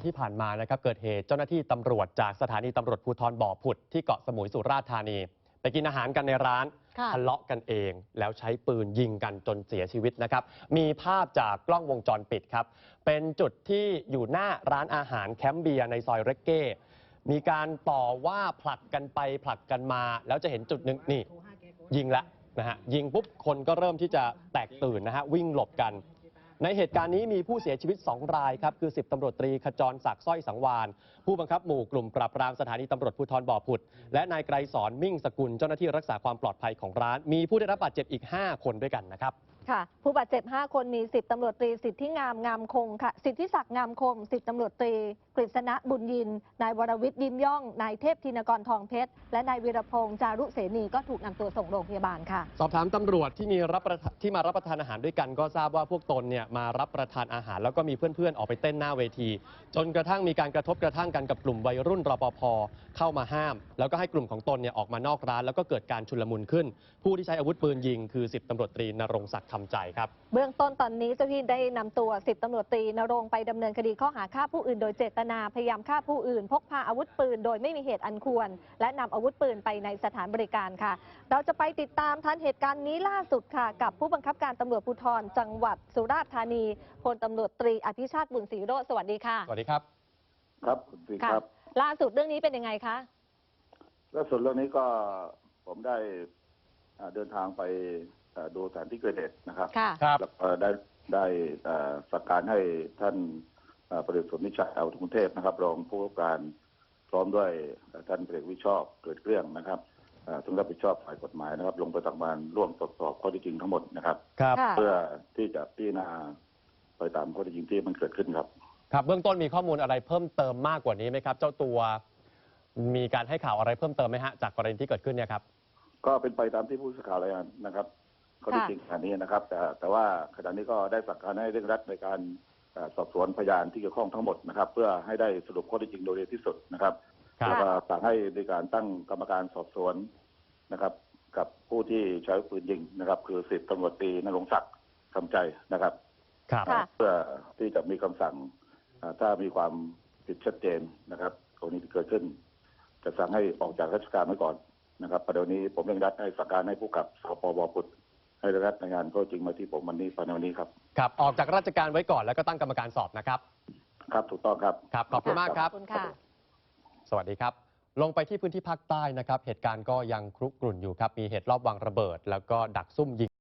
ที่ผ่านมานะครับเกิดเหตุเจ้าหน้าที่ตำรวจจากสถานีตำรวจภูธรบ่อผุดที่เกาะสมุยสุราษฎร์ธานีไปกินอาหารกันในร้านทะเลาะกันเองแล้วใช้ปืนยิงกันจนเสียชีวิตนะครับมีภาพจากกล้องวงจรปิดครับเป็นจุดที่อยู่หน้าร้านอาหารแคมป์เบียร์ในซอยเรกเก้มีการต่อว่าผลักกันไปผลักกันมาแล้วจะเห็นจุดหนึ่งนี่ยิงละนะฮะยิงปุ๊บคนก็เริ่มที่จะแตกตื่นนะฮะวิ่งหลบกันในเหตุการณ์นี้มีผู้เสียชีวิต2 รายครับคือ10 ตำรวจตรีขจรศักดิ์สร้อยสังวานผู้บังคับหมู่กลุ่มปราบปรามสถานีตำรวจภูธรบ่อผุดและนายไกรสอนมิ่งสกุลเจ้าหน้าที่รักษาความปลอดภัยของร้านมีผู้ได้รับบาดเจ็บอีก5 คนด้วยกันนะครับค่ะผู้บาดเจ็บ5 คนมี10 ตำรวจตรีสิทธิงามคงค่ะสิทธิศักดิ์งามคง10 ตำรวจตรีกฤษณะบุญยินนายวรวิทย์ยิ้มย่องนายเทพธินกรทองเพชรและนายวีรพงษ์จารุเสนีก็ถูกนำตัวส่งโรงพยาบาลค่ะสอบถามตำรวจที่มารับประทานอาหารด้วยกันก็ทราบว่าพวกตนเนี่ยมารับประทานอาหารแล้วก็มีเพื่อนๆออกไปเต้นหน้าเวทีจนกระทั่งมีการกระทบกระทั่งกันกับกลุ่มวัยรุ่นรปภ.เข้ามาห้ามแล้วก็ให้กลุ่มของตนเนี่ยออกมานอกร้านแล้วก็เกิดการชุลมุนขึ้นผู้ที่ใช้อาวุธปืนยิงคือ10 ตำรวจตรีณรงค์ศักดิ์คำใจครับเบื้องต้นตอนนี้เจ้าหน้าที่ได้นำตัว10 ตำรวจตรีณรงค์ไปดำเนินคดีข้อหาฆ่าผู้อื่นโดยเจตนาพยายามฆ่าผู้อื่นพกพาอาวุธปืนโดยไม่มีเหตุอันควรและนำอาวุธปืนไปในสถานบริการค่ะเราจะไปติดตามทันเหตุการณ์นี้ล่าสุดค่ะกับผู้บังคับการตำรวจภูธรจังหวัดสุราษฎร์ธานีพลตำรวจตรีอภิชาติบุญศรีโรจน์สวัสดีค่ะสวัสดีครับครับคุณศรีครับล่าสุดเรื่องนี้เป็นยังไงคะล่าสุดเรื่องนี้ก็ผมได้เดินทางไปดูสถานที่เกิดเหตุนะครับแล้วก็ได้สั่งการให้ท่านประเดชสมนิชัยอาวุธกรุงเทพนะครับรองผู้ว่าการพร้อมด้วยท่านพลเอกวิชอบเกิดเรื่องนะครับซึ่งรับผิดชอบฝ่ายกฎหมายนะครับลงไปทำงานร่วมตรวจสอบข้อเท็จจริงทั้งหมดนะครับเพื่อที่จะพิจารณาไปตามข้อเท็จจริงที่มันเกิดขึ้นครับครับเบื้องต้นมีข้อมูลอะไรเพิ่มเติมมากกว่านี้ไหมครับเจ้าตัวมีการให้ข่าวอะไรเพิ่มเติมไหมฮะจากกรณีที่เกิดขึ้นเนี่ยครับก็เป็นไปตามที่ผู้สื่อข่าวรายงานนะครับข้อเท็จจริงขณะนี้นะครับแต่ว่าขณะนี้ก็ได้สั่งการให้เร่งรัดในการสอบสวนพยานที่เกี่ยวข้องทั้งหมดนะครับเพื่อให้ได้สรุปข้อเท็จจริงโดยเร็วที่สุดนะครับแล้วก็สั่งให้ในการตั้งกรรมการสอบสวนนะครับกับผู้ที่ใช้ปืนยิงนะครับคือ10 ตำรวจตรีณรงค์ศักดิ์คำใจนะครับเพื่อที่จะมีคำสั่งถ้ามีความผิดชัดเจนนะครับกรณีที่เกิดขึ้นจะสั่งให้ออกจากราชการไว้ก่อนนะครับประเด็นนี้ผมเร่งรัดให้สั่งการให้ผู้กับสปบ.ผุดให้เร่งรัดในงานข้อจริงมาที่ผมวันนี้ภายในวันนี้ครับครับออกจากราชการไว้ก่อนแล้วก็ตั้งกรรมการสอบนะครับครับถูกต้องครับครับขอบคุณมากครับสวัสดีครับลงไปที่พื้นที่ภาคใต้นะครับเหตุการณ์ก็ยังครุกรุ่นอยู่ครับมีเหตุลอบวางระเบิดแล้วก็ดักซุ่มยิง